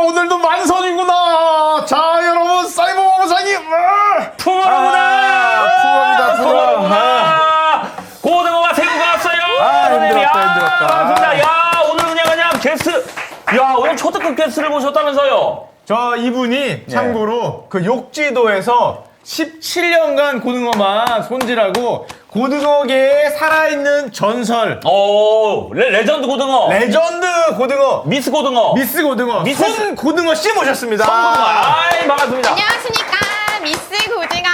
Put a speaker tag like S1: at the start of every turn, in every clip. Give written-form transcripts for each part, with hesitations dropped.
S1: 오늘도 만선이구나. 자, 여러분, 사이버 보상이
S2: 풍어로구나.
S1: 풍어입니다.
S2: 고등어와 새우가 왔어요.
S1: 힘들었다.
S2: 반갑습니다. 야, 오늘 그냥 게스트. 야, 오늘 초특급 게스트를 모셨다면서요.
S1: 저 이분이 참고로 그 욕지도에서 17년간 고등어만 손질하고 고등어계에 살아있는 전설
S2: 오, 레전드 고등어.
S1: 레전드 고등어
S2: 미스 고등어.
S1: 미스 고등어
S2: 미스
S1: 손 고등어 씨 모셨습니다.
S2: 손 고등어. 아이, 반갑습니다.
S3: 안녕하십니까. 미스 고등어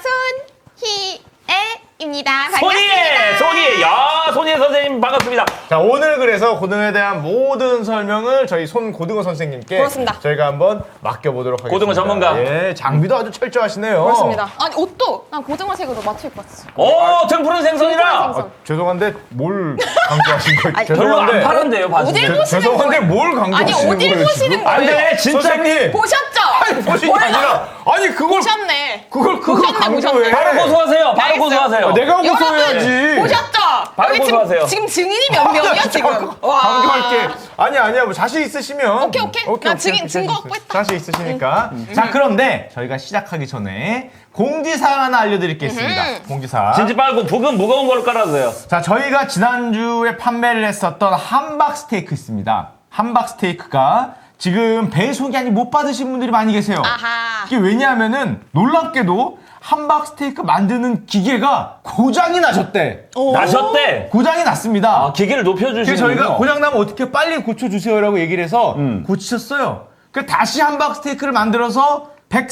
S3: 손희애입니다. 반갑습니다.
S2: 손희애. 야, 손희애 선생님 반갑습니다.
S1: 자, 오늘 그래서 고등어에 대한 모든 설명을 저희 손 고등어 선생님께
S3: 그렇습니다.
S1: 저희가 한번 맡겨보도록 하겠습니다.
S2: 고등어 전문가.
S1: 예, 장비도 아주 철저하시네요.
S3: 그렇습니다. 아니 옷도 난 고등어색으로 맞춰 입고 왔어.
S2: 오, 등푸른 생선이라.
S3: 생선.
S1: 죄송한데 뭘 강조하신 거예요?
S2: 별로 안 파란데요, 봐주세요.
S3: 어딜 보시는
S1: 죄송한데
S3: 거예요?
S1: 뭘
S3: 아니
S1: 강조하시는
S3: 어딜
S1: 거예요?
S3: 보시는
S1: 지금?
S2: 안
S3: 거예요?
S2: 돼, 진짜.
S1: 선생님
S3: 보셨죠?
S1: 보신 게 아니라 아니 그걸
S3: 보셨네.
S1: 그걸
S3: 보셨네,
S1: 강조해.
S2: 바로 고소하세요. 바로
S3: 알겠어요.
S2: 고소하세요.
S1: 내가
S3: 여러분
S1: 고소해야지.
S3: 보셨죠?
S2: 바로
S3: 여기
S2: 고소하세요.
S3: 지금 증인이 몇 명이야 지금?
S1: 강조할게. 아니야 뭐 자신 있으시면
S3: 오케이. 나 증거 확보 했다.
S1: 자신 있으시니까. 자, 그런데 저희가 시작하기 전에 공지사항 하나 알려드릴 게 있습니다. 공지사항.
S2: 진지 빨고 북은 무거운 걸로 깔아주세요.
S1: 자, 저희가 지난주에 판매를 했었던 함박 스테이크 있습니다. 함박 스테이크가 지금 배송이 아직 못 받으신 분들이 많이 계세요.
S3: 아하.
S1: 이게 왜냐하면은 놀랍게도 함박 스테이크 만드는 기계가 고장이 나셨대.
S2: 나셨대.
S1: 고장이 났습니다.
S2: 아, 기계를 높여주시는
S1: 그래서 저희가 고장 나면 어떻게 빨리 고쳐주세요라고 얘기를 해서 고치셨어요. 그래서 다시 함박 스테이크를 만들어서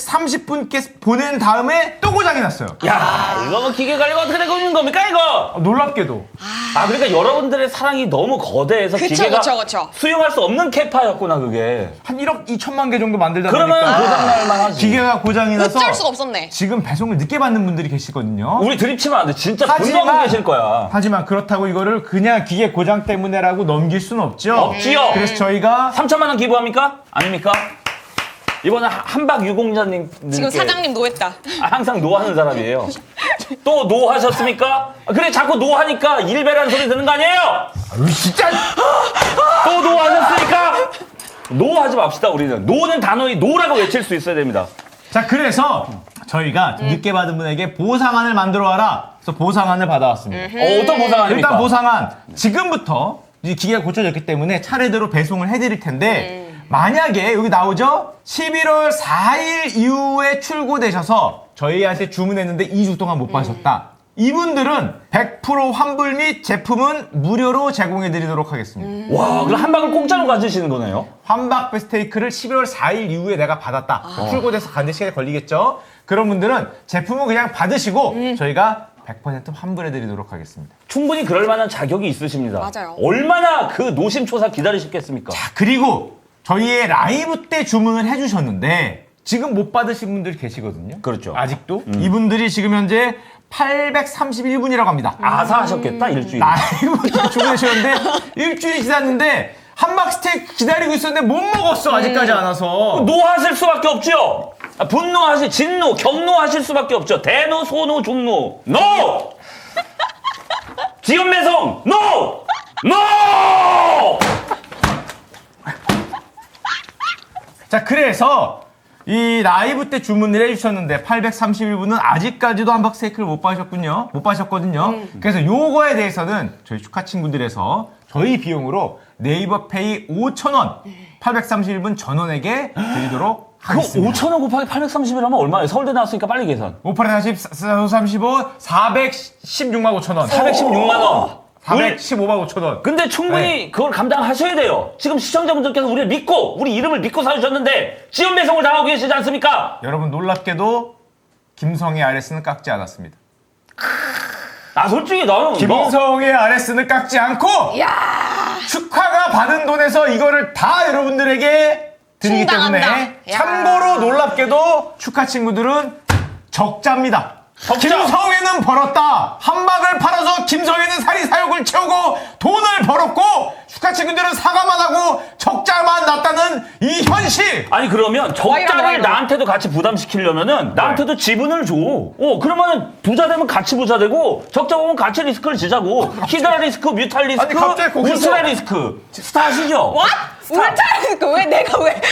S1: 130분께 보낸 다음에 또 고장이 났어요.
S2: 야, 이거 뭐 기계 관리가 어떻게 되고 있는 겁니까, 이거?
S1: 놀랍게도.
S2: 아, 그러니까 여러분들의 사랑이 너무 거대해서
S3: 그쵸,
S2: 기계가
S3: 그쵸.
S2: 수용할 수 없는 캐파였구나, 그게.
S1: 한 1억 2천만 개 정도 만들다
S2: 그러면
S1: 보니까
S2: 고장날만 하지.
S1: 기계가 고장이 나서
S3: 어쩔 수가 없었네.
S1: 지금 배송을 늦게 받는 분들이 계시거든요.
S2: 우리 드립치면 안 돼. 진짜 분노하고 계실 거야.
S1: 하지만 그렇다고 이거를 그냥 기계 고장 때문에라고 넘길 수는 없죠.
S2: 없지요.
S1: 그래서 저희가
S2: 3천만 원 기부합니까? 아닙니까? 이번에 한박 유공자님
S3: 지금 사장님 노했다.
S2: 항상 노하는 사람이에요. 또 노하셨습니까? 그래, 자꾸 노하니까 일배라는 소리 듣는 거 아니에요?
S1: 진짜
S2: 또 노하셨으니까 노하지 맙시다. 우리는 노는 단어의 노라고 외칠 수 있어야 됩니다.
S1: 자, 그래서 저희가 늦게 받은 분에게 보상안을 만들어 와라. 그래서 보상안을 받아왔습니다.
S2: 어떤 보상입니까?
S1: 일단 보상안 지금부터 이 기계가 고쳐졌기 때문에 차례대로 배송을 해드릴 텐데 만약에 여기 나오죠? 11월 4일 이후에 출고되셔서 저희한테 주문했는데 2주 동안 못 받으셨다. 이분들은 100% 환불 및 제품은 무료로 제공해드리도록 하겠습니다.
S2: 와, 그럼 한박을 공짜로 가지시는 거네요?
S1: 환박 스테이크를 11월 4일 이후에 내가 받았다. 출고돼서 가는데 시간이 걸리겠죠? 그런 분들은 제품을 그냥 받으시고 저희가 100% 환불해드리도록 하겠습니다.
S2: 충분히 그럴 만한 자격이 있으십니다.
S3: 맞아요.
S2: 얼마나 그 노심초사 기다리셨겠습니까?
S1: 자, 그리고 저희의 라이브 때 주문을 해주셨는데 지금 못 받으신 분들이 계시거든요.
S2: 그렇죠.
S1: 아직도. 이분들이 지금 현재 831분이라고 합니다.
S2: 아사하셨겠다, 일주일.
S1: 라이브 때 주문하셨는데 일주일이 지났는데 함박 스테이크 기다리고 있었는데 못 먹었어. 아직까지 안 와서.
S2: 노하실 수밖에 없죠. 분노하실, 진노, 경노하실 수밖에 없죠. 대노, 소노, 중노. NO! 지연 배송! NO! NO!
S1: 자, 그래서 이 라이브 때 주문을 해주셨는데 831분은 아직까지도 함박 스테이크를 못 받으셨거든요. 그래서 요거에 대해서는 저희 축하 친구들에서 저희 비용으로 네이버 페이 5,000원 831분 전원에게 드리도록
S2: 그
S1: 하겠습니다.
S2: 5,000원 곱하기 830이라면 얼마예요? 서울대 나왔으니까 빨리 계산.
S1: 5840, 435, 416만 5천원.
S2: 416만 원.
S1: 415만 5천원.
S2: 근데 충분히 그걸 감당하셔야 돼요. 지금 시청자분들께서 우리를 믿고, 우리 이름을 믿고 사주셨는데 지연 배송을 당하고 계시지 않습니까?
S1: 여러분 놀랍게도 김성의 RS는 깎지 않았습니다.
S2: 아, 솔직히 나는
S1: 김성의 RS는 깎지 않고
S3: 야
S1: 축하가 받은 돈에서 이거를 다 여러분들에게 드리기 때문에
S3: 충당한다. 야.
S1: 참고로 놀랍게도 축하 친구들은 적자입니다. 김성애는 벌었다. 함박을 팔아서 김성애는 사리 사욕을 채우고 돈을 벌었고 축하 친구들은 사과만 하고 적자만 났다는 이 현실.
S2: 아니 그러면 적자를
S3: 와이로.
S2: 나한테도 같이 부담시키려면은 나한테도 지분을 줘. 그러면은 부자 되면 같이 부자 되고 적자 보면 같이 리스크를 지자고. 히드라 리스크, 뮤탈 리스크,
S1: 아니, 갑자기 거기서-
S2: 울트라 리스크. 스타 아시죠?
S3: What? 울트라 리스크 왜 내가 왜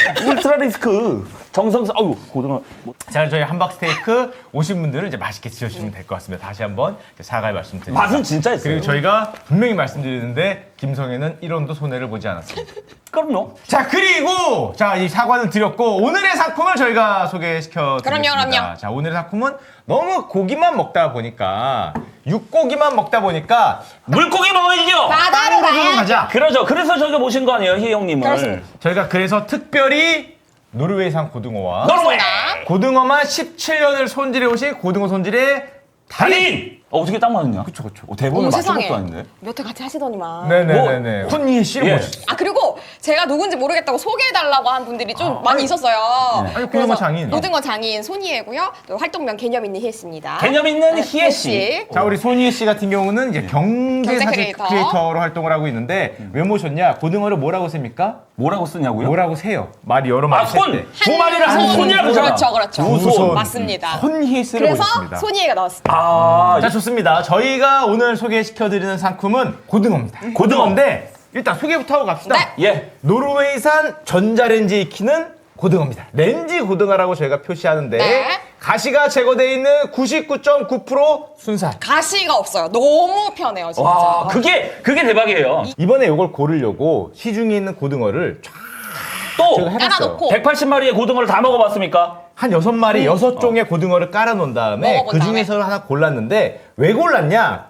S2: 울트라 리스크. 정성스, 아유, 고등어.
S1: 자, 저희 함박 스테이크 오신 분들은 이제 맛있게 드셔주시면 될 것 같습니다. 다시 한번 사과의 말씀드립니다.
S2: 맛은 진짜 있어요.
S1: 그리고 저희가 분명히 말씀드리는데 김성애는 1원도 손해를 보지 않았습니다.
S2: 그럼요.
S1: 자, 그리고 자, 이 사과는 드렸고 오늘의 상품을 저희가 소개시켜 드리겠습니다.
S3: 그럼요.
S1: 자, 오늘의 상품은 너무 고기만 먹다 보니까 육고기만 먹다 보니까
S2: 물고기 먹어야죠.
S3: 바다로
S1: 좀
S3: 가야.
S1: 가자.
S2: 그러죠. 그래서 저희가 모신 거 아니에요, 희 형님을.
S3: 그렇습니다.
S1: 저희가 그래서 특별히 노르웨이산 고등어와
S2: 노르웨이
S1: 고등어만 17년을 손질해 오신 고등어 손질의
S2: 달인. 어떻게 딱 맞았냐?
S1: 그쵸.
S2: 대본을
S3: 어머,
S2: 맞춘
S3: 세상에.
S2: 것도 아닌데.
S3: 몇 회 같이 하시더니만.
S1: 네네네네. 훈이의 씨를
S2: 예.
S1: 모셨어요.
S3: 아 그리고 제가 누군지 모르겠다고 소개해달라고 한 분들이 좀 많이 있었어요.
S1: 아니, 고등어
S3: 그래서
S1: 장인.
S3: 고등어 장인 손희애고요. 또 활동명 개념 있는 희애씨입니다.
S2: 개념 있는 희애 씨.
S1: 자, 우리 손희애 씨 같은 경우는 이제 경제
S3: 경제
S1: 사진
S3: 크리에이터.
S1: 크리에이터로 활동을 하고 있는데 왜 모셨냐? 고등어를 뭐라고 셉니까?
S2: 뭐라고 쓰냐고요?
S1: 뭐라고 세요? 말이 여러 마리
S2: 아,
S1: 셀
S2: 손!
S1: 때.
S2: 두 마리를 한 손이라고 그러잖아.
S3: 그렇죠.
S1: 두 손.
S3: 맞습니다.
S1: 손희애 씨를
S3: 그래서
S1: 모셨습니다.
S3: 손희애가 나왔습니다.
S2: 아,
S1: 자, 좋습니다. 저희가 오늘 소개시켜드리는 상품은 고등어입니다. 고등어인데 일단 소개부터 하고 갑시다.
S3: 네.
S2: 예.
S1: 노르웨이산 전자레인지에 익히는 고등어입니다. 렌지 고등어라고 저희가 표시하는데
S3: 네.
S1: 가시가 제거되어 있는 99.9% 순살.
S3: 가시가 없어요. 너무 편해요, 진짜.
S2: 와, 그게 대박이에요.
S1: 이번에 이걸 고르려고 시중에 있는 고등어를 쫙
S2: 또
S1: 제가 해봤어요.
S3: 깔아놓고
S2: 180마리의 고등어를 다 먹어봤습니까?
S1: 한 6마리, 6종의 고등어를 깔아놓은 다음에
S3: 먹어본
S1: 그 중에서 하나 골랐는데 왜 골랐냐?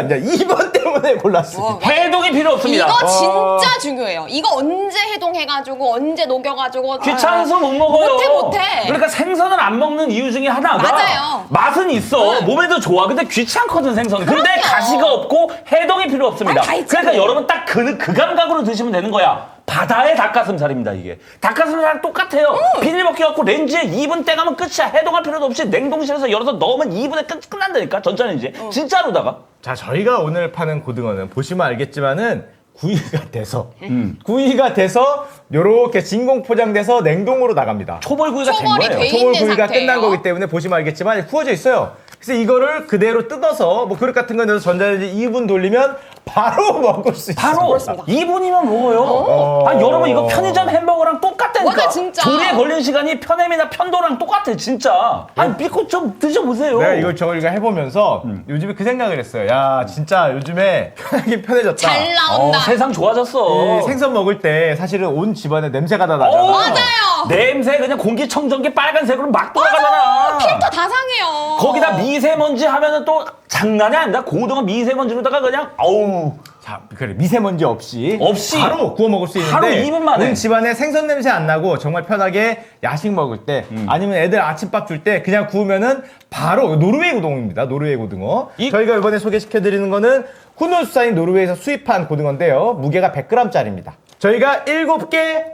S1: 2번 때문에 골랐습니다.
S2: 해동이 필요 없습니다.
S3: 이거 진짜 중요해요. 이거 언제 해동해가지고 언제 녹여가지고
S2: 귀찮아서 못 먹어요.
S3: 못해.
S2: 그러니까 생선을 안 먹는 이유 중에 하나가
S3: 맞아요.
S2: 맛은 있어. 몸에도 좋아. 근데 귀찮거든 생선. 근데
S3: 그럼요.
S2: 가시가 없고 해동이 필요 없습니다.
S3: 다 있죠.
S2: 그러니까 여러분 딱 그 감각으로 드시면 되는 거야. 바다의 닭가슴살입니다 이게. 닭가슴살랑 똑같아요. 비닐 먹기 갖고 렌즈에 2분 떼가면 끝이야. 해동할 필요도 없이 냉동실에서 열어서 넣으면 2분에 끝난다니까. 전자레인지. 진짜로다가.
S1: 자, 저희가 오늘 파는 고등어는 보시면 알겠지만은 구이가 돼서 요렇게 진공 포장돼서 냉동으로 나갑니다.
S2: 초벌구이가 된
S3: 초벌이
S2: 거예요.
S3: 돼
S1: 초벌
S3: 있는
S1: 구이가
S3: 상태예요.
S1: 끝난 거기 때문에 보시면 알겠지만 구워져 있어요. 그래서 이거를 그대로 뜯어서 뭐 그릇 같은 거 넣어서 전자레인지 2분 돌리면 바로 먹을 수 있어요.
S2: 바로
S3: 그렇습니다.
S2: 2분이면 먹어요. 아, 여러분 이거 편의점 햄버거랑 똑같다니까.
S3: 맞아, 진짜.
S2: 조리에 걸린 시간이 편햄이나 편도랑 똑같아 진짜. 아니 믿고 좀 드셔보세요.
S1: 내가 이걸 저희가 해보면서 요즘에 그 생각을 했어요. 야, 진짜 요즘에 편하긴 편해졌다.
S3: 잘 나온다.
S2: 세상 좋아졌어.
S1: 이 생선 먹을 때 사실은 온 집안에 냄새가 다 나잖아.
S3: 맞아요.
S2: 냄새 그냥 공기청정기 빨간색으로 막 돌아가잖아.
S3: 필터 다 상해요.
S2: 거기다 미세먼지 하면은 또 장난이 아니다. 고등어 미세먼지로다가 그냥 어우.
S1: 자, 그래 미세먼지 없이 바로 구워 먹을 수 있는데
S2: 바로 2분 만에.
S1: 온 집안에 생선 냄새 안 나고 정말 편하게 야식 먹을 때 아니면 애들 아침밥 줄 때 그냥 구우면은 바로 노르웨이 고등어입니다. 노르웨이 고등어. 저희가 이번에 소개시켜드리는 거는 훈훈수산인 노르웨이에서 수입한 고등어인데요. 무게가 100g짜리입니다. 저희가 7개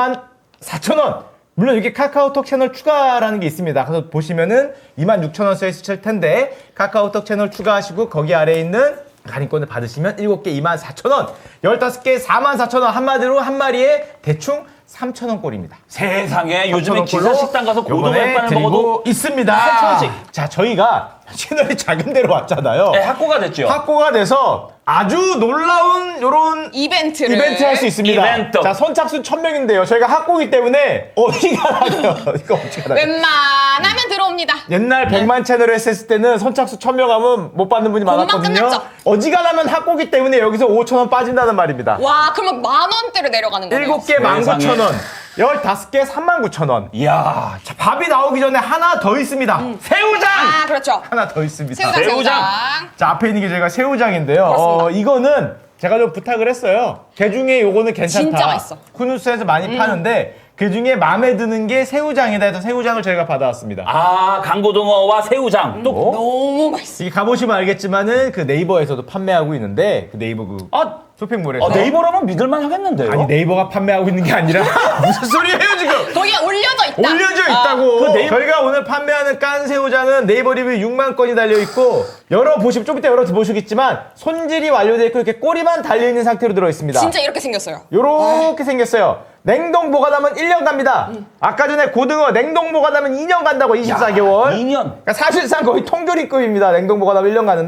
S1: 24,000원. 물론 이렇게 카카오톡 채널 추가라는 게 있습니다. 그래서 보시면은 26,000원 써있을 텐데 카카오톡 채널 추가하시고 거기 아래에 있는 할인권을 받으시면 7개 24,000원, 15개 44,000원, 한마디로 한 마리에 대충 3,000원 꼴입니다.
S2: 세상에 요즘에
S1: 3,000원
S2: 기사
S1: 꼴로
S2: 식당 가서 고등어
S1: 요번에
S2: 햇반을
S1: 드리고
S2: 먹어도
S1: 있습니다.
S2: 3,000원씩.
S1: 자, 저희가 채널이 작은 데로 왔잖아요.
S2: 네, 확고가 됐죠.
S1: 확고가 돼서 아주 놀라운 요런
S3: 이벤트를
S1: 이벤트 할 수 있습니다.
S2: 이벤트.
S1: 자, 선착순 1,000명인데요. 저희가 확고기 때문에 어디가 나가요? 이거 어디가 나가요?
S3: 웬만하면 들어옵니다.
S1: 옛날 100만 채널을 했을 때는 선착순 1,000명 하면 못 받는 분이
S3: 금방
S1: 많았거든요.
S3: 끝났죠.
S1: 어지간하면 확고기 때문에 여기서 5,000원 빠진다는 말입니다.
S3: 와, 그러면 10,000원대로 내려가는 거네요.
S1: 7개 19,000원, 15개 39,000원.
S2: 이야.
S1: 자, 밥이 나오기 전에 하나 더 있습니다.
S2: 새우장.
S3: 아, 그렇죠.
S1: 하나 더 있습니다.
S3: 새우장,
S2: 새우장.
S3: 새우장.
S1: 자, 앞에 있는 게 저희가 새우장인데요.
S3: 그렇습니다.
S1: 이거는 제가 좀 부탁을 했어요. 그 중에 요거는 괜찮다.
S3: 진짜 맛있어.
S1: 쿠누스에서 많이 파는데 그 중에 마음에 드는 게 새우장이다 해서 새우장을 저희가 받아왔습니다.
S2: 아, 강고등어와 새우장. 또
S3: 너무 맛있어.
S1: 이게 가보시면 알겠지만은 그 네이버에서도 판매하고 있는데 그 네이버 그 쇼핑몰에서
S2: 네이버라면 믿을만 하겠는데요.
S1: 아니 네이버가 판매하고 있는 게 아니라 무슨 소리예요 지금?
S3: 거기에 올려져 있다.
S1: 올려져 있다고.
S2: 그 네이버-
S1: 저희가 오늘 판매하는 깐 새우장은 네이버 리뷰 6만 건이 달려 있고 열어보시면 좀 이따 열어보시겠지만 손질이 완료되어 있고 이렇게 꼬리만 달려 있는 상태로 들어 있습니다.
S3: 진짜 이렇게 생겼어요.
S1: 요렇게 생겼어요. 냉동 보관하면 1년 갑니다. 아까 전에 고등어 냉동 보관하면 2년 간다고 24개월.
S2: 2년.
S1: 그러니까 사실상 거의 통조림급입니다. 냉동 보관하면 1년 가는데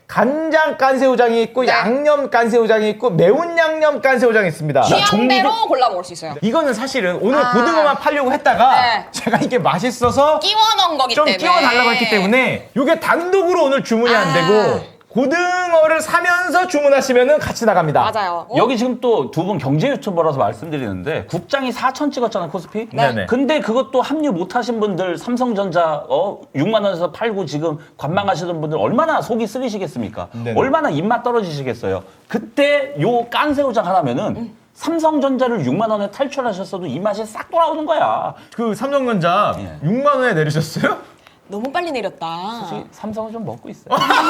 S1: 간장 깐새우장이 있고
S3: 네.
S1: 양념 깐새우장이 있고 매운 양념 깐새우장이 있습니다.
S3: 취향대로 골라 먹을 수 있어요.
S1: 이거는 사실은 오늘
S3: 아.
S1: 고등어만 팔려고 했다가
S3: 네.
S1: 제가 이게 맛있어서
S3: 끼워 넣은 거기
S1: 좀
S3: 때문에.
S1: 끼워달라고 했기 때문에 이게 단독으로 오늘 주문이 안
S3: 아.
S1: 되고 고등어를 사면서 주문하시면 같이 나갑니다.
S3: 맞아요.
S2: 여기 지금 또 두 분 경제 유튜버라서 말씀드리는데 국장이 4천 찍었잖아요, 코스피.
S1: 네네.
S2: 근데 그것도 합류 못 하신 분들 삼성전자 6만 원에서 팔고 지금 관망하시던 분들 얼마나 속이 쓰리시겠습니까?
S1: 네네.
S2: 얼마나 입맛 떨어지시겠어요? 그때 요 깐새우장 하나면은 삼성전자를 6만 원에 탈출하셨어도 이 맛이 싹 돌아오는 거야.
S1: 그 삼성전자
S2: 예.
S1: 6만 원에 내리셨어요?
S3: 너무 빨리 내렸다.
S2: 솔직히 삼성은 좀 먹고 있어요.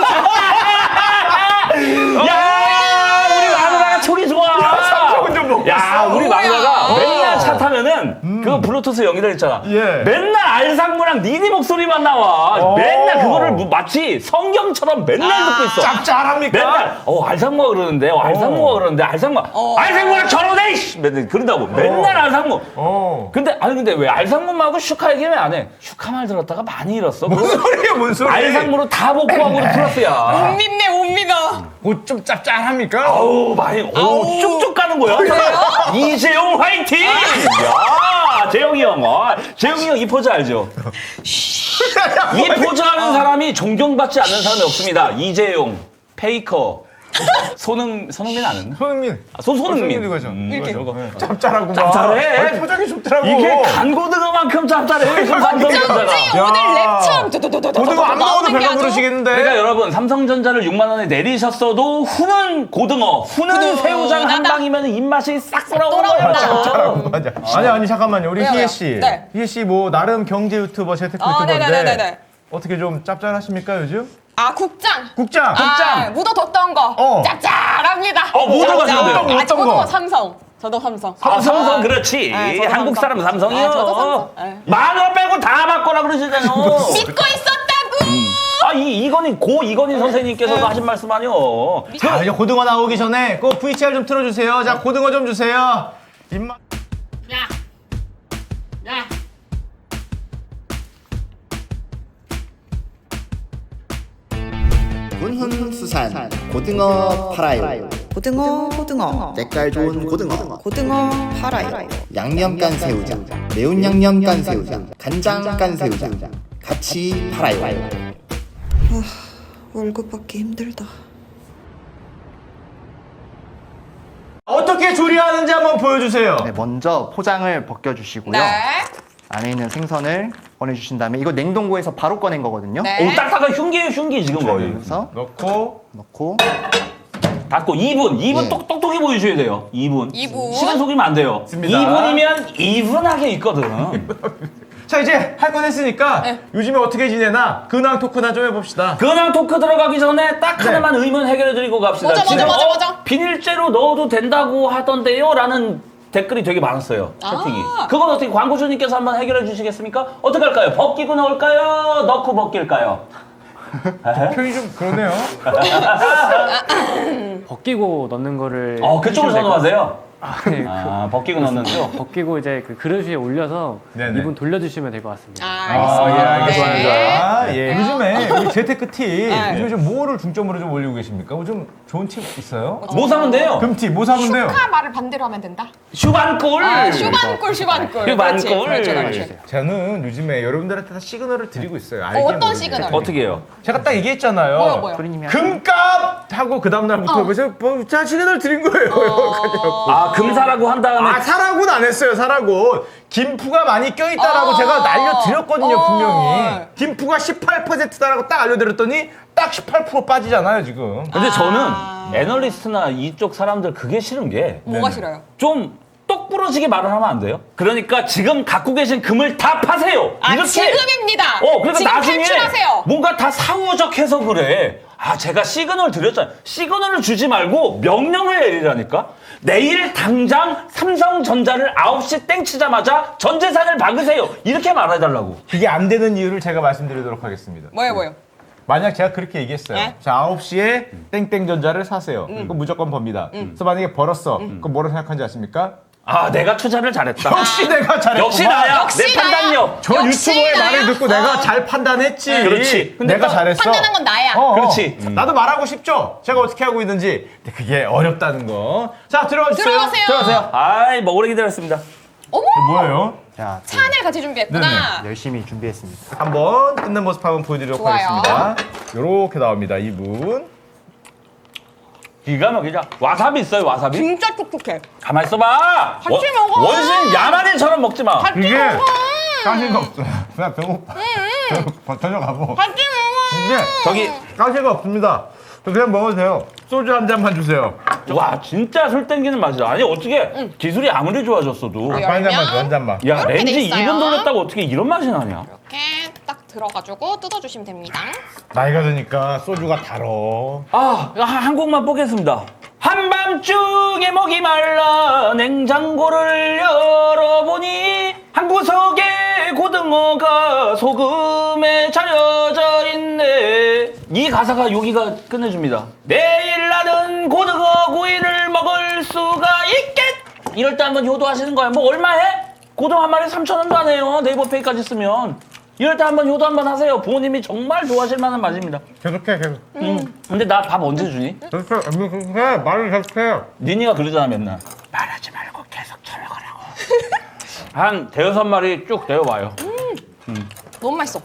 S2: 야, 우리 마누라가 촉이 좋아.
S1: 삼성은 좀 먹고
S2: 야,
S1: 있어.
S2: 우리 마누라가
S3: 뭐야.
S2: 맨날 차 타면은 그 블루투스 연결했잖아.
S1: 예.
S2: 맨날 알상무랑 니니 목소리만 나와.
S1: 오.
S2: 맨날 그거를 마치 성경처럼 맨날 듣고 있어.
S1: 짭짤합니까?
S2: 맨날 알상무가 그러는데 알상무가 그러는데 알상무랑 결혼해. 이씨! 맨날 그런다고. 맨날 알상무. 근데 왜 알상무하고 슈카 얘기 왜 안 해? 슈카 말 들었다가 많이 잃었어.
S1: 뭔 소리야, 뭔 소리?
S2: 알상무로 다 복구하고 플러스야.
S3: 못 믿네, 못 믿어.
S1: 좀 짭짤합니까?
S2: 어우 많이 쭉쭉 가는 거야. 이재용 화이팅! 야 재용이 형, 재용이 형 이 포즈 알죠? 이 포즈 하는 사람이 존경받지 않는 사람이 없습니다. 이재용, 페이커, 손흥민 아는?
S1: 손흥민.
S2: 손흥민.
S1: 이거죠.
S3: 이렇게.
S1: 짭짤하고
S2: 짭짤해.
S1: 아니, 표정이 좋더라고.
S2: 이게 간고등어만큼 짭짤해. 지금 삼성전자가.
S3: 쩐지 오늘 랩처럼 두두두두두
S1: 고등어 안 먹어도
S3: 나오는 게
S1: 배가
S3: 아주-
S1: 부르시겠는데.
S2: 그러니까 여러분 삼성전자를 6만 원에 내리셨어도 후는 고등어, 후는
S3: 후는
S2: 새우장 한
S3: 하다.
S2: 방이면 입맛이 싹 돌아오는
S3: 돌아온다.
S2: 거예요.
S1: 맞아. 아니 잠깐만요. 우리
S3: 왜요,
S1: 희애
S3: 왜요?
S1: 씨.
S3: 네.
S1: 희애 씨 뭐 나름 경제 유튜버, 재테크 유튜버인데
S3: 네네네네.
S1: 어떻게 좀 짭짤하십니까 요즘?
S3: 아, 국장.
S1: 국장.
S3: 아, 묻어뒀던 거. 짭짤합니다.
S2: 뭐 들어가시는데요?
S3: 아,
S1: 어떤
S3: 저도
S1: 거?
S3: 삼성. 저도 삼성.
S2: 아, 삼성
S3: 아,
S2: 그렇지.
S3: 네, 저도
S2: 한국
S3: 삼성.
S2: 사람 삼성이요.
S3: 아, 저도 삼성. 네.
S2: 만원 빼고 다 바꿔라 그러시잖아요.
S3: 믿고 있었다고.
S2: 아, 이건희 선생님께서도 하신 말씀 아니요.
S1: 자, 이제 고등어 나오기 전에 꼭 VCR 좀 틀어주세요. 자, 고등어 좀 주세요. 입맛.
S4: 군훈수산 고등어 팔아요.
S5: 고등어
S4: 때깔 좋은 고등어.
S5: 고등어 팔아요.
S4: 양념 깐새우장, 매운 양념 깐새우장, 간장 깐새우장 같이 팔아요.
S5: 월급 받기 힘들다.
S1: 어떻게 조리하는지 한번 보여주세요.
S6: 네, 먼저 포장을 벗겨주시고요.
S3: 네.
S6: 안에 있는 생선을 꺼내주신 다음에 이거 냉동고에서 바로 꺼낸 거거든요.
S3: 네.
S2: 오, 딱딱한 흉기예요, 흉기 지금 거의.
S6: 그래서
S1: 넣고
S6: 넣고
S2: 닫고 2분
S6: 네.
S2: 똑똑히 보여줘야 돼요. 2분.
S3: 2분.
S2: 시간 속이면 안 돼요.
S1: 맞습니다.
S2: 2분이면 이분하게 있거든.
S1: 자 이제 할 건 했으니까
S3: 네.
S1: 요즘에 어떻게 지내나 근황 토크나 좀 해봅시다.
S2: 근황 토크 들어가기 전에 딱
S1: 네.
S2: 하나만 의문 해결해드리고 갑시다.
S3: 뭐죠,
S2: 지금
S3: 뭐죠, 뭐죠?
S2: 비닐째로 넣어도 된다고 하던데요? 라는 댓글이 되게 많았어요. 채팅이. 그건 어떻게 광고주님께서 한번 해결해 주시겠습니까? 어떻게 할까요? 벗기고 넣을까요? 넣고 벗길까요?
S1: 표현이 좀 그러네요.
S7: 벗기고 넣는 거를
S2: 그쪽으로
S7: 해주시면 될것
S2: 선호하세요?
S7: 네,
S2: 벗기고 넣는 거.
S7: 벗기고 이제 그 그릇 위에 올려서
S1: 네네.
S7: 이분 돌려주시면 될 것 같습니다.
S3: 알겠습니다.
S1: 예, 알겠습니다.
S3: 네.
S1: 예, 요즘에 우리 재테크 팁,
S3: 네.
S1: 요즘에 좀 뭐를 중점으로 좀 올리고 계십니까? 뭐 좀 좋은 팁 있어요?
S2: 뭐 사면 돼요?
S1: 금팁, 뭐 사면 돼요?
S3: 슈카 말을 반대로 하면 된다.
S2: 슈반골!
S3: 슈반꿀.
S2: 슈반꿀.
S3: 그렇지, 그렇지.
S1: 저는 요즘에 여러분들한테 다 시그널을 드리고 있어요. 알게
S3: 어떤
S1: 모르게.
S3: 시그널?
S2: 어떻게 해요?
S1: 제가 딱 얘기했잖아요.
S3: 뭐요?
S6: 프리님이
S1: 금값 하고 그 다음날부터 그래서 자 시그널 드린 거예요.
S2: 금사라고 한 다음에
S1: 아 사라고는 안 했어요. 사라고 김프가 많이 껴있다라고
S3: 어.
S1: 제가 알려드렸거든요.
S3: 어.
S1: 분명히 김프가 18%다라고 딱 알려드렸더니 딱 18% 빠지잖아요 지금.
S2: 근데 저는 애널리스트나 이쪽 사람들 그게 싫은 게
S3: 뭐가 싫어요?
S2: 좀 똑부러지게 말을 하면 안 돼요? 그러니까 지금 갖고 계신 금을 다 파세요.
S3: 아,
S2: 이렇게.
S3: 지금입니다.
S2: 그러니까
S3: 지금
S2: 나중에
S3: 탈출하세요.
S2: 뭔가 다 사후적해서 그래. 제가 시그널 드렸잖아요. 시그널을 주지 말고 명령을 내리라니까. 내일 당장 삼성전자를 9시 땡 치자마자 전 재산을 박으세요. 이렇게 말해달라고.
S1: 그게 안 되는 이유를 제가 말씀드리도록 하겠습니다.
S3: 뭐예요?
S1: 만약 제가 그렇게 얘기했어요.
S3: 네?
S1: 자 9시에 땡땡전자를 사세요. 그럼 무조건 법니다. 그래서 만약에 벌었어. 그럼 뭐라고 생각하는지 아십니까?
S2: 아, 내가 투자를 잘했다.
S1: 역시 내가 잘했구만.
S2: 역시 나야.
S3: 역시
S2: 내
S3: 나야.
S2: 판단력.
S1: 저
S3: 역시
S1: 유튜버의
S3: 나야.
S1: 말을 듣고 내가 잘 판단했지.
S2: 그렇지.
S1: 근데 내가 잘했어.
S3: 판단한 건 나야.
S2: 그렇지.
S1: 나도 말하고 싶죠? 제가 어떻게 하고 있는지. 근데 그게 어렵다는 거. 자, 들어가 주세요.
S3: 들어가세요.
S2: 들어가세요. 아이, 뭐 오래 기다렸습니다.
S3: 어머,
S1: 이게 뭐예요?
S6: 자, 또
S3: 찬을 같이 준비했구나.
S6: 열심히 준비했습니다.
S1: 한번 뜯는 모습 한번 보여드리도록
S3: 좋아요.
S1: 하겠습니다. 요렇게 나옵니다. 이분.
S2: 기가 막히죠. 와사비 있어요, 와사비?
S3: 진짜 촉촉해.
S2: 가만 있어봐.
S3: 같이 먹어.
S2: 원신 야만인처럼 먹지 마.
S3: 같이
S1: 이게
S3: 먹어.
S1: 가시가 없어요. 그냥 배고파. 저녁하고.
S3: 같이 먹어.
S1: 이게
S2: 저기
S1: 가시가 없습니다. 그냥 먹어도 돼요. 소주 한 잔만 주세요.
S2: 와 진짜 술 땡기는 맛이다. 아니 어떻게 기술이 아무리 좋아졌어도
S3: 열-
S1: 한 잔만
S3: 열면?
S1: 줘, 한 잔만.
S2: 야
S3: 이렇게
S2: 렌즈
S3: 돼 있어요.
S2: 2분 돌렸다고 어떻게 이런 맛이 나냐?
S3: 이렇게 딱 들어가지고 뜯어주시면 됩니다.
S1: 나이가 드니까 소주가 달어.
S2: 한 곡만 보겠습니다. 한밤중에 목이 말라 냉장고를 열어보니 한 구석에 고등어가 소금에 차려져 있네. 이 가사가 여기가 끝내줍니다. 내일 나는 고등어 구이를 먹을 수가 있겠. 이럴 때 한번 효도하시는 거야. 뭐 얼마 해? 고등어 한 마리 3,000원도 안 해요. 네이버페이까지 쓰면. 이럴 때 한번 효도 한번 하세요. 부모님이 정말 좋아하실 만한 맛입니다.
S1: 계속해, 계속.
S2: 근데 나 밥 언제 주니?
S1: 계속해. 말을 계속해.
S2: 니니가 그러잖아 맨날. 말하지 말고 계속 쳐먹으라고. 한 대여섯 마리 쭉 데워봐요.
S3: 너무 맛있어.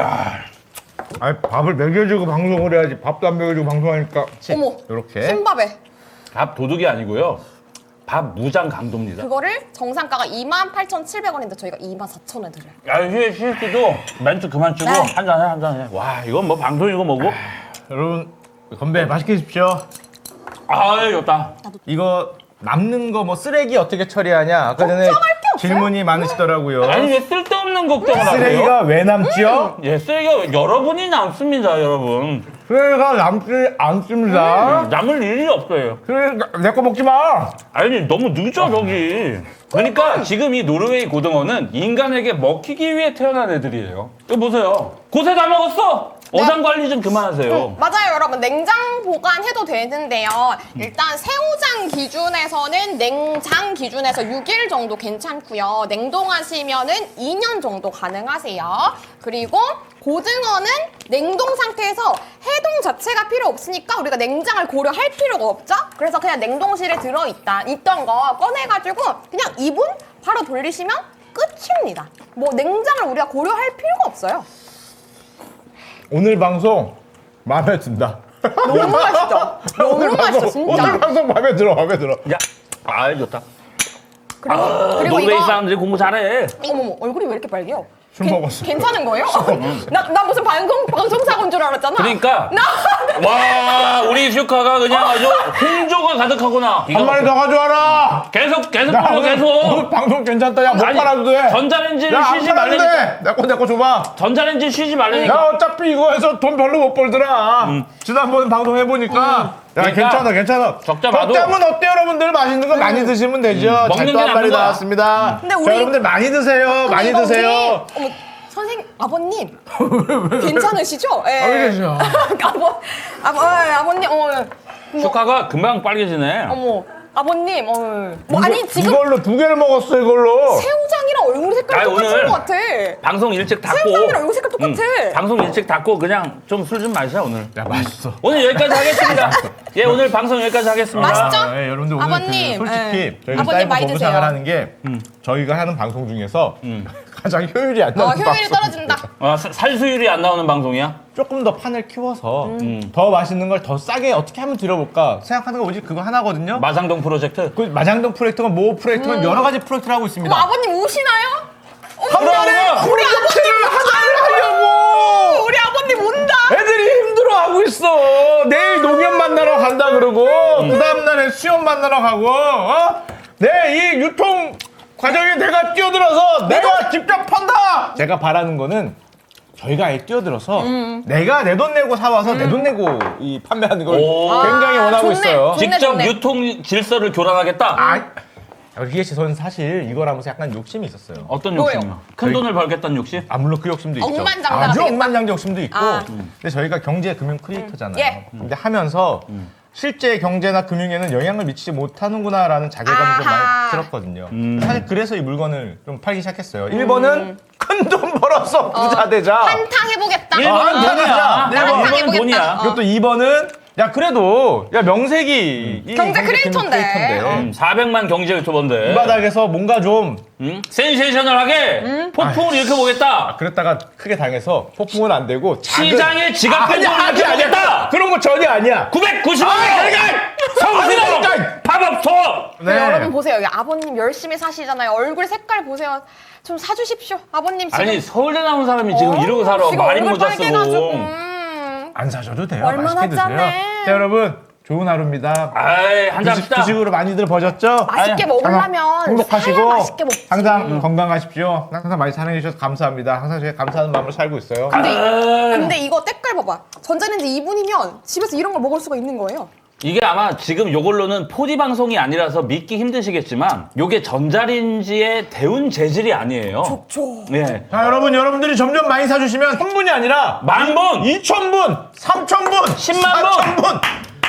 S1: 아니, 밥을 먹여주고 방송을 해야지. 밥도 안 먹여주고 방송하니까.
S3: 어머,
S1: 이렇게.
S3: 흰밥에.
S2: 밥 도둑이 아니고요. 밥 무장 강도입니다.
S3: 그거를 정상가가 28,700원인데 저희가 24,000원에 드려요.
S2: 야, 휴식도 멘트 그만 주고
S3: 네.
S2: 한잔해, 한잔해. 와, 이건 뭐 방송이고 뭐고?
S1: 여러분, 건배 맛있게 드십시오.
S2: 아유, 좋다.
S1: 이거 남는 거 뭐 쓰레기 어떻게 처리하냐? 아까 전에
S3: 걱정할 게 없어요.
S1: 질문이 많으시더라고요.
S2: 아니, 왜 쓸데없는 걱정을 하세요?
S1: 쓰레기가 왜 남지요?
S2: 예, 쓰레기가 여러분이 남습니다, 여러분.
S1: 쓰레기가 남지 않습니다.
S2: 남을 일이 없어요.
S1: 쓰레기 내 거 먹지 마.
S2: 아니, 너무 늦어, 저기. 그러니까 지금 이 노르웨이 고등어는 인간에게 먹히기 위해 태어난 애들이에요. 이거 보세요. 고세 다 먹었어! 어장 관리 좀 그만하세요.
S3: 맞아요, 여러분. 냉장 보관해도 되는데요. 일단 새우장 기준에서는 냉장 기준에서 6일 정도 괜찮고요. 냉동하시면은 2년 정도 가능하세요. 그리고 고등어는 냉동 상태에서 해동 자체가 필요 없으니까 우리가 냉장을 고려할 필요가 없죠? 그래서 그냥 냉동실에 있던 거 꺼내가지고 그냥 2분 바로 돌리시면 끝입니다. 뭐 냉장을 우리가 고려할 필요가 없어요.
S1: 오늘 방송 마음에 든다.
S3: 너무 맛있죠? 너무 맛있어, 진짜.
S1: 오늘 방송 마음에 들어, 마음에 들어.
S2: 야, 아, 좋다.
S3: 그리고
S2: 노르웨이
S3: 이거
S2: 사람들이 공부 잘해.
S3: 어머머 얼굴이 왜 이렇게 빨개요?
S1: 술 먹었어.
S3: 괜찮은 거예요? 나 무슨 방송사고인 줄 알았잖아.
S2: 그러니까.
S3: 나
S2: 와, 우리 슈카가 그냥 아주 홍조가 가득하구나.
S1: 한 마리 더 가져와라.
S2: 계속
S1: 야,
S2: 돌려,
S1: 오늘
S2: 계속.
S1: 방송 괜찮다. 야, 못
S2: 아니,
S1: 팔아도 돼.
S2: 전자레인지를
S1: 야, 안
S2: 쉬지
S1: 팔아도
S2: 말라니까.
S1: 돼. 내 거 줘봐.
S2: 전자레인지 쉬지 말라니까.
S1: 야, 어차피 이거 해서 돈 별로 못 벌더라. 지난번 방송 해보니까. 야,
S2: 그러니까
S1: 괜찮아, 괜찮아.
S2: 적자 봐도.
S1: 적자면 어때요, 여러분들? 맛있는 거 많이 드시면 되죠.
S2: 먹는
S1: 잘도
S2: 게
S1: 한 마리
S2: 남는 거야.
S1: 나왔습니다.
S3: 근데
S1: 자,
S3: 우리-
S1: 여러분들 많이 드세요.
S3: 근데
S1: 많이
S3: 이거
S1: 드세요.
S3: 우리- 어머 선생님 아버님 괜찮으시죠? 예.
S1: 어디 계셔?
S3: 아버님
S2: 슈카가 금방 빨개지네.
S3: 어머 아버님 뭐 아니 지금
S1: 이걸로 2개를 먹었어, 이걸로.
S3: 새우장이랑 얼굴 색깔
S2: 아니,
S3: 똑같은
S2: 오늘
S3: 것 같아.
S2: 방송 일찍 닫고.
S3: 새우장이랑 얼굴 색깔 똑같아.
S2: 방송 일찍 닫고 그냥 좀 술 좀 마시자, 오늘.
S1: 야, 맛있어.
S2: 오늘 여기까지 하겠습니다. 예, 오늘 방송 여기까지 하겠습니다.
S3: 맛있죠?
S1: 예, 여러분들 오늘
S3: 아버님,
S1: 솔직히
S3: 예.
S1: 저희가
S3: 아버님
S1: 사이버
S3: 많이
S1: 보부
S3: 드세요.
S1: 생활하는 게 저희가 하는 방송 중에서 가장 효율이 안 나는
S3: 효율이
S1: 방송.
S3: 떨어진다.
S2: 살수율이 안 나오는 방송이야?
S1: 조금 더 판을 키워서 더 맛있는 걸 더 싸게 어떻게 하면 드려볼까 생각하는 거 오직 그거 하나거든요.
S2: 마장동 프로젝트.
S1: 그 마장동 프로젝트가 모 프로젝트가 여러 가지 프로젝트를 하고 있습니다.
S3: 어머 아버님 우시나요?
S1: 그러면
S3: 우리
S1: 프로젝트를 하려고
S3: 우리 아버님 온다.
S1: 애들이 힘들어하고 있어. 내일 농협 만나러 간다 그러고 그 다음날에 수협 만나러 가고 내 이 유통 과정에 내가 뛰어들어서 내가 직접 판다. 제가 바라는 거는 저희가 아예 뛰어들어서 내가 내 돈 내고 사와서 내 돈 내고 이 판매하는 걸
S2: 오.
S1: 굉장히 원하고
S3: 좋네.
S1: 있어요.
S3: 좋네,
S2: 직접
S3: 좋네.
S2: 유통 질서를 교란하겠다?
S1: 기계 씨, 저는 사실 이걸 하면서 약간 욕심이 있었어요.
S2: 어떤
S3: 뭐예요?
S2: 욕심이야? 큰 돈을 벌겠다는 욕심?
S1: 물론 그 욕심도 있죠.
S3: 억만장자가
S1: 아주
S3: 되겠다.
S1: 억만장자 욕심도 있고.
S3: 아.
S1: 근데 저희가 경제 금융 크리에이터잖아요.
S3: 예.
S1: 근데 하면서 실제 경제나 금융에는 영향을 미치지 못하는구나라는 자괴감이 좀
S3: 아하.
S1: 많이 들었거든요. 사실 그래서 이 물건을 좀 팔기 시작했어요. 1번은 큰 돈 벌어서 부자 되자.
S3: 한탕 해보겠다.
S2: 1번은 돈이야.
S3: 한탕
S2: 1번은
S3: 해보겠다.
S2: 돈이야.
S1: 그리고 또 2번은 야 그래도 야 명색이 이
S3: 경제 크리에이터인데.
S2: 400만 경제
S1: 이
S2: 유튜버인데.
S1: 바닥에서 뭔가 좀
S2: 센세이셔널하게 폭풍을 일으켜보겠다.
S1: 그랬다가 크게 당해서 폭풍은 안 되고
S2: 시장의 지각
S1: 아니야,
S2: 변동을
S1: 아니야, 아니야.
S2: 일으켜보겠다.
S1: 그런 거 전혀 아니야.
S2: 990만
S1: 아니야,
S2: 성수동 밥업소.
S1: 네.
S3: 여러분 보세요. 여기 아버님 열심히 사시잖아요. 얼굴 색깔 보세요. 좀 사주십시오. 아버님 지금.
S2: 아니 서울대 나온 사람이 지금 이러고 살아.
S3: 지금
S2: 많이
S3: 얼굴
S2: 모자
S3: 빨개가지고.
S2: 쓰고.
S1: 안 사셔도 돼요.
S3: 얼마나
S1: 맛있게 드세요.
S3: 짠해.
S1: 자 여러분 좋은 하루입니다.
S2: 아이 한잔 합시다.
S1: 주식으로 많이들 버셨죠?
S3: 맛있게 먹으려면
S1: 행복하시고
S3: 사야 맛있게 먹지.
S1: 항상 건강하십시오. 항상 많이 사랑해 주셔서 감사합니다. 항상 저희가 감사하는 마음으로 살고 있어요.
S3: 근데 이거 때깔 봐봐. 전자레인지 2분이면 집에서 이런 걸 먹을 수가 있는 거예요.
S2: 이게 아마 지금 요걸로는 4D 방송이 아니라서 믿기 힘드시겠지만 요게 전자레인지의 데운 재질이 아니에요.
S3: 좋죠.
S2: 예.
S1: 자 여러분들이 점점 많이 사주시면 1000분이 아니라
S2: 만 분!
S1: 2000분, 3000분,
S2: 10만 분!
S1: 4000분,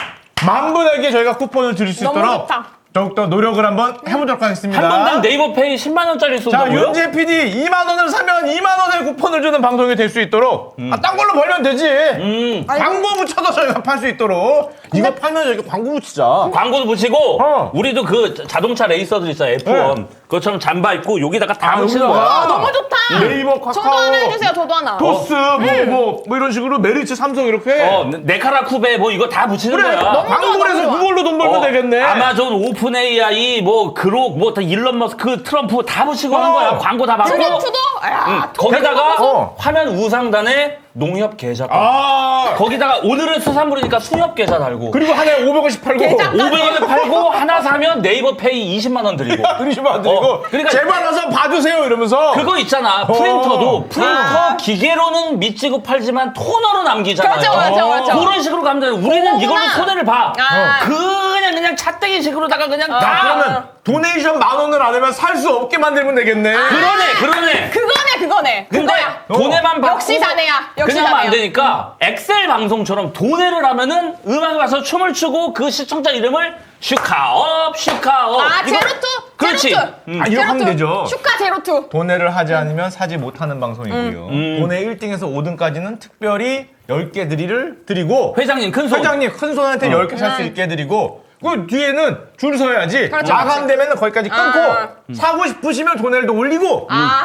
S1: 만 분에게 저희가 쿠폰을 드릴 수
S3: 너무
S1: 있도록
S3: 좋다.
S1: 더욱더 노력을 한번 해보도록 하겠습니다.
S2: 한 번당 네이버 페이 10만 원짜리
S1: 자,
S2: 쏜다고요?
S1: 윤재 PD 2만 원을 사면 2만 원의 쿠폰을 주는 방송이 될 수 있도록 딴 걸로 벌면 되지. 광고 붙여서 저희가 팔 수 있도록 이거 팔면 저희가 광고 붙이자.
S2: 광고도 붙이고
S1: 어.
S2: 우리도 그 자동차 레이서들 있어요 F1
S1: 네.
S2: 그것처럼 잠바 입고 여기다가 다 붙이는
S1: 여기다가.
S2: 거야.
S3: 너무 좋다.
S1: 네이버, 카카오,
S3: 저도 하나 해주세요. 저도 하나.
S1: 토스 뭐 이런 식으로 메리츠, 삼성 이렇게
S2: 네카라 쿠베 뭐 이거 다 붙이는
S1: 그래
S2: 거야.
S1: 광고를 해서
S3: 너무 좋아.
S1: 그걸로 돈 벌면 되겠네.
S2: 아마존, 오픈 AI, 뭐 그록, 뭐 다 일론 머스크, 트럼프 다 붙이고 하는 거야. 광고 다 받고.
S3: 트럼프도? 야,
S2: 거기다가
S1: 어.
S2: 화면 우상단에 농협 계좌.
S1: 아
S2: 거기다가 오늘은 수산물이니까 수협 계좌 달고.
S1: 그리고 하나에 500원씩 팔고
S3: 계좌
S2: 500원에 팔고 하나 사면 네이버 페이 20만 원 드리고.
S1: 드리시면 안 드리고
S2: 그러니까
S1: 제발 와서 봐주세요 이러면서
S2: 그거 있잖아. 프린터도 프린터 기계로는 미치고 팔지만 토너로 남기잖아요.
S3: 맞아.
S2: 그런 식으로 가면 돼. 우리는
S3: 그거구나.
S2: 이걸로 손해를 봐.
S3: 아.
S2: 그냥 찻대기식으로다가 그냥
S1: 야,
S2: 다.
S1: 그러면 도네이션 10,000원을 안 하면 살 수 없게 만들면 되겠네.
S2: 그러네.
S3: 그거네.
S2: 근데
S3: 그거야.
S2: 돈에만 받고
S3: 역시 자네야. 역시
S2: 그냥 하면 안
S3: 자네야.
S2: 되니까 엑셀 방송처럼 돈에를 하면은 음악을 봐서 춤을 추고 그 시청자 이름을 슈카업.
S3: 아,
S2: 이거-
S3: 제로투.
S2: 그렇지.
S3: 제로투.
S1: 아, 이렇게 하면 되죠.
S3: 슈카 제로투.
S1: 도네를 하지 않으면 사지 못하는 방송이고요. 도네 1등에서 5등까지는 특별히 10개 드리고
S2: 회장님 큰 손.
S1: 회장님 큰 손한테 10개 살 수 있게 드리고 그 뒤에는 줄 서야지.
S3: 그렇죠,
S1: 마감되면 거기까지 끊고 사고 싶으시면 도네를 올리고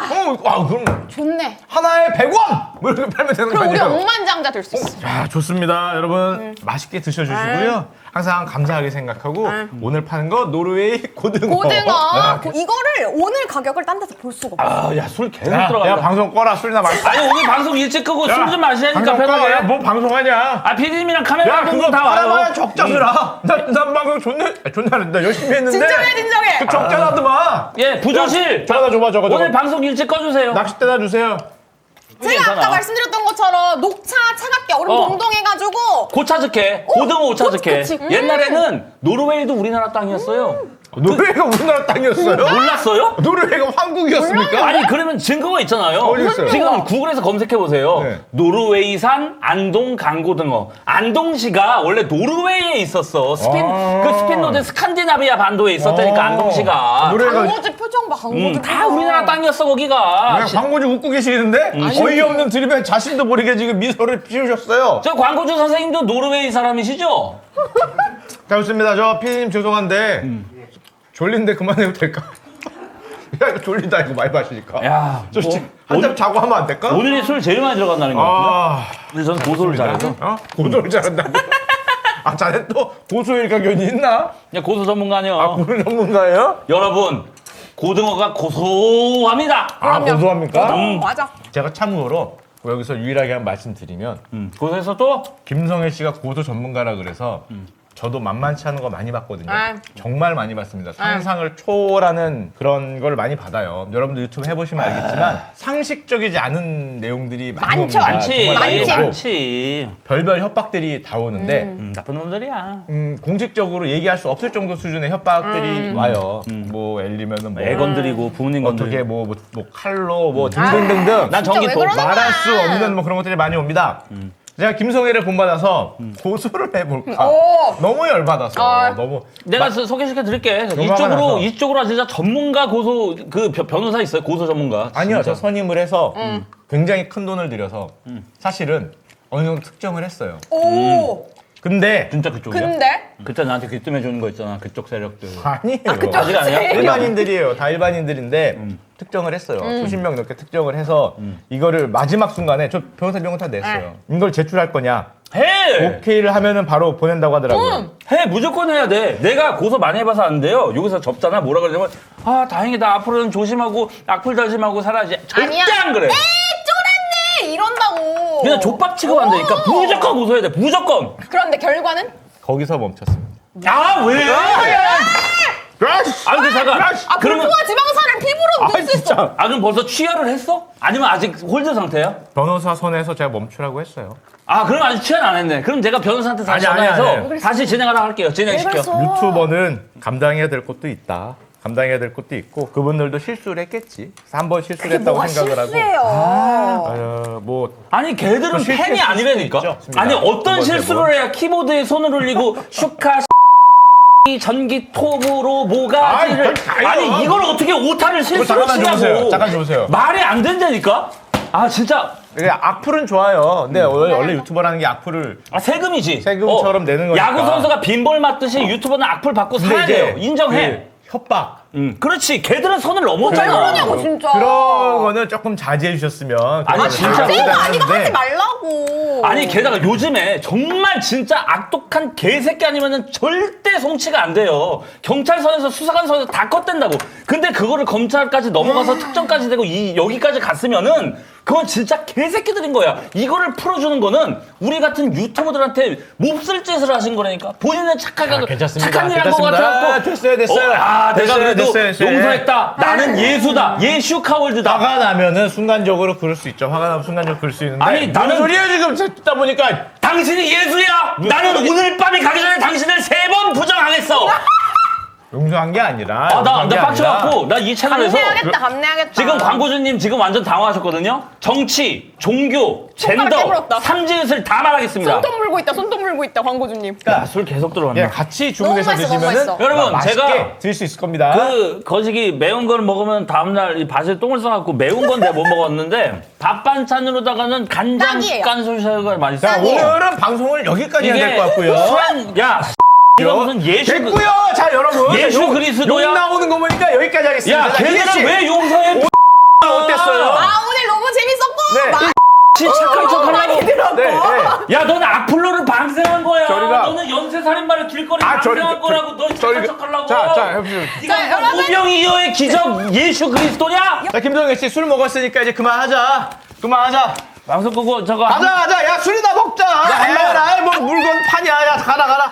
S1: 그럼
S3: 좋네.
S1: 하나에 100원! 뭐 이렇게 팔면 되는 거
S3: 그럼 우리
S1: 아니에요?
S3: 억만장자 될 수 있어.
S1: 자, 좋습니다. 여러분 맛있게 드셔주시고요. 항상 감사하게 생각하고 오늘 파는 거 노르웨이 고등어.
S3: 고등어. 이거를 오늘 가격을 딴 데서 볼 수가 없어.
S2: 야, 술 계속
S1: 야,
S2: 들어간다.
S1: 방송 꺼라. 술이나 마시자.
S2: 아니, 오늘 방송 일찍 끄고 술 좀 마시라니까
S1: 방송 꺼.
S2: 편하게.
S1: 야, 뭐 방송하냐?
S2: 아, PD님이랑 카메라
S1: 야,
S2: 감독님
S1: 그거
S2: 다
S1: 팔아봐야
S2: 와요.
S1: 적자수라. 난 방송 존나 나 열심히 했는데.
S3: 진정해.
S1: 그 적자나더만.
S2: 예, 부조실.
S1: 저거 줘봐.
S2: 오늘 방송 일찍 꺼주세요.
S1: 낚싯대나 주세요.
S3: 제가
S2: 괜찮아.
S3: 아까 말씀드렸던 것처럼 녹차 차갑게 얼음
S2: 어.
S3: 동동해가지고
S2: 고차즈케, 고등어 오차즈케.
S3: 그치.
S2: 옛날에는 노르웨이도 우리나라 땅이었어요.
S1: 노르웨이가 우리나라 땅이었어요?
S2: 몰랐어요?
S1: 노르웨이가 황국이었습니까?
S2: 아니 그러면 증거가 있잖아요.
S1: 어디 있어요?
S2: 지금 구글에서 검색해 보세요.
S1: 네.
S2: 노르웨이산 안동 강고등어. 안동시가 원래 노르웨이에 있었어. 그 스핀노드 스칸디나비아 반도에 있었다니까 안동시가.
S1: 노르웨이가
S3: 광고지 표정 봐. 광고지
S2: 다 우리나라 땅이었어 거기가.
S1: 그냥 광고주 웃고 계시는데 어이없는 드립에 자신도 모르게 지금 미소를 피우셨어요.
S2: 저 광고주 선생님도 노르웨이 사람이시죠?
S1: 자, 좋습니다. 저 피디님 죄송한데 졸린데 그만해도 될까? 야, 이거 졸리다 이거 많이 마시니까.
S2: 야,
S1: 저
S2: 뭐,
S1: 한잔 자고 하면 안 될까?
S2: 오늘이 술 제일 많이 들어간다는 거 같은데.
S1: 아,
S2: 근데 저는 고소를 잘해서.
S1: 고소를 잘한다고? 아, 자네 또 고소 일가견이 있나?
S2: 그냥 고소 전문가요.
S1: 고소 전문가예요?
S2: 여러분, 고등어가 고소합니다.
S1: 아, 고소합니까?
S3: 맞아.
S1: 제가 참고로 여기서 유일하게 한 말씀 드리면
S2: 고소해서 또
S1: 김성애 씨가 고소 전문가라 그래서 저도 만만치 않은 거 많이 봤거든요. 정말 많이 봤습니다. 상상을 초월하는 그런 걸 많이 받아요. 여러분들 유튜브 해보시면 알겠지만 상식적이지 않은 내용들이 많이
S3: 많죠.
S1: 옵니다.
S2: 많지,
S1: 정말 많고
S2: 많지.
S1: 별별 협박들이 다 오는데
S2: 나쁜 놈들이야.
S1: 공식적으로 얘기할 수 없을 정도 수준의 협박들이 와요. 뭐 예를 들면은 뭐
S2: 애 건드리고 부모님 건드리고.
S1: 어떻게 뭐 칼로 뭐 등등등등
S2: 난 전기
S3: 왜
S2: 또
S3: 그러는
S1: 말할
S3: 거야?
S1: 수 없는 뭐 그런 것들이 많이 옵니다. 제가 김성애를 본받아서 고소를 해볼까.
S3: 오.
S1: 너무 열받아서.
S3: 아.
S1: 너무.
S2: 내가 소개시켜 드릴게.
S1: 화가 나서.
S2: 이쪽으로 진짜 전문가 고소 그 변호사 있어요. 고소 전문가.
S1: 아니요,
S2: 진짜.
S1: 저 선임을 해서 굉장히 큰 돈을 들여서 사실은 어느 정도 특정을 했어요.
S3: 오.
S1: 근데
S2: 진짜 그쪽이야?
S3: 근데
S2: 그때 나한테 귀뜸해 주는 거 있잖아. 그쪽 세력들.
S1: 아니에요.
S2: 아직 아니야?
S1: 일반인들이에요. 다 일반인들인데 특정을 했어요. 수십 명 넘게 특정을 해서 이거를 마지막 순간에 저 변호사 비용은 다 냈어요. 이걸 제출할 거냐?
S2: 해!
S1: 오케이를 하면은 바로 보낸다고 하더라고요.
S2: 해! 무조건 해야 돼. 내가 고소 많이 해봐서 안 돼요. 여기서 접잖아. 뭐라 그러냐면 아 다행이다. 앞으로는 조심하고 악플 달심하고 살아야지. 절대
S3: 아니야.
S2: 안 그래.
S3: 쫄았네 이런다고.
S2: 그냥 족밥 취급한다니까. 무조건 고소해야 돼. 무조건.
S3: 그런데 결과는?
S1: 거기서 멈췄습니다.
S2: 아 왜? 아 근데 잠깐.
S3: 아
S2: 그러면
S3: 불포화 지방산을 피부로 넣을 수 있어.
S2: 아 그럼 벌써 취하를 했어? 아니면 아직 홀드 상태야?
S1: 변호사 선에서 제가 멈추라고 했어요.
S2: 아 그럼 아직 취하는 안 했네. 그럼 제가 변호사한테 다시
S1: 아니, 아니,
S2: 전화해서
S1: 아니.
S2: 다시 진행하라 할게요. 진행시켜.
S1: 유튜버는 감당해야 될 것도 있다. 감당해야 될 것도 있고 그분들도 실수를 했겠지. 그래서 한 번 실수를 했다고
S3: 뭐가
S1: 생각을 하고.
S3: 실수예요.
S1: 뭐
S2: 아니 걔들은
S1: 또 실수할
S2: 팬이
S1: 수
S2: 아니라니까.
S1: 있죠.
S2: 아니 어떤
S1: 두 번째
S2: 실수를 해야 키보드에 손을 올리고 슈카 전기톱으로 모가지를
S1: 아이,
S2: 아니 이걸 어떻게 오타를 실수로
S1: 잠깐만 주무세요.
S2: 치냐고.
S1: 잠깐 주무세요.
S2: 말이 안 된다니까. 아 진짜
S1: 이게 악플은 좋아요. 근데 원래 유튜버라는 게 악플을
S2: 아 세금이지.
S1: 세금처럼 내는 거니까.
S2: 야구 선수가 빈볼 맞듯이 유튜버는 악플 받고
S1: 근데
S2: 살아야
S1: 이제
S2: 돼요. 인정해.
S1: 그 협박
S2: 그렇지. 걔들은 선을 넘었잖아.
S3: 왜 그러냐고 진짜.
S1: 그런 거는 조금 자제해 주셨으면.
S2: 아니, 진짜
S3: 쌤 아니가 하지
S1: 하는데
S3: 말라고.
S2: 아니 게다가 요즘에 정말 진짜 악독한 개새끼 아니면은 절대 송치가 안 돼요. 경찰서에서 수사관서에서 다 컷댄다고. 근데 그거를 검찰까지 넘어가서 특정까지 되고 여기까지 갔으면은 그건 진짜 개새끼들인 거야. 이거를 풀어주는 거는 우리 같은 유튜버들한테 몹쓸 짓을 하신 거라니까. 본인은 착하게
S1: 괜찮습니다.
S2: 착한 일 한 거
S1: 괜찮습니다.
S2: 같아갖고
S1: 됐어요.
S2: 내가
S1: 됐어요,
S2: 그래도
S1: 됐어요.
S2: 용서했다. 나는 예수다. 예슈카월드다.
S1: 화가 나면은 순간적으로 그럴 수 있죠. 화가 나면 순간적으로 그럴 수 있는데.
S2: 아니, 나는-
S1: 무슨 소리야 지금 듣다 보니까.
S2: 당신이 예수야. 나는 오늘 밤이 가기 전에 당신을 3번 부정하겠어.
S1: 용서한 게 아니라.
S2: 나
S1: 용서한 게
S2: 빡쳐갖고 나 이 채널에서
S3: 감내하겠다.
S2: 지금 광고주님 지금 완전 당황하셨거든요. 정치, 종교,
S3: 손가락
S2: 젠더,
S3: 깨물었다.
S2: 삼지읒을 다 말하겠습니다.
S3: 손톱 물고 있다. 손톱 물고 있다. 광고주님.
S2: 술 계속 들어간다.
S1: 예, 같이 주문해서
S3: 너무 맛있어, 너무
S1: 드시면은
S3: 맛있어.
S2: 여러분,
S1: 맛있게
S2: 제가
S1: 드실 수 있을 겁니다.
S2: 그 거시기 매운 걸 먹으면 다음날 이 밭에 똥을 싸갖고 매운 건 내가 못 먹었는데 밥 반찬으로다가는 간장
S3: 딱이에요.
S2: 깐소시가 많이
S1: 자,
S2: 싸고
S1: 오늘은 방송을 여기까지 해야 될 것 같고요.
S2: 야 이거 무슨 예수
S1: 됐고요. 자, 여러분.
S2: 예수
S1: 욕-
S2: 그리스도야?
S1: 욕 나오는 거 보니까 여기까지 하겠습니다.
S2: 야
S1: 자, 희애 씨,
S2: 걔들은 왜 용서해?
S1: 어땠어요?
S3: 아 오늘 너무 재밌었고.
S1: 네.
S3: 많이
S2: 착한 척하려고.
S3: 들었고.
S1: 네, 네.
S2: 야, 너는 악플로를 방생한 거야.
S1: 저리가-
S2: 너는 연쇄살인마를 길거리
S1: 아,
S2: 방생한 거라고. 너 착한 척하려고.
S1: 자, 해보세요.
S3: 자, 여러분.
S2: 우병이어의 기적 예수 그리스도냐?
S1: 자, 김동현 씨 술 먹었으니까 이제 그만하자. 그만하자.
S2: 방송 끄고 저거
S1: 가자. 야, 술이나 먹자. 야, 뭐 물건 판이야. 야, 가라.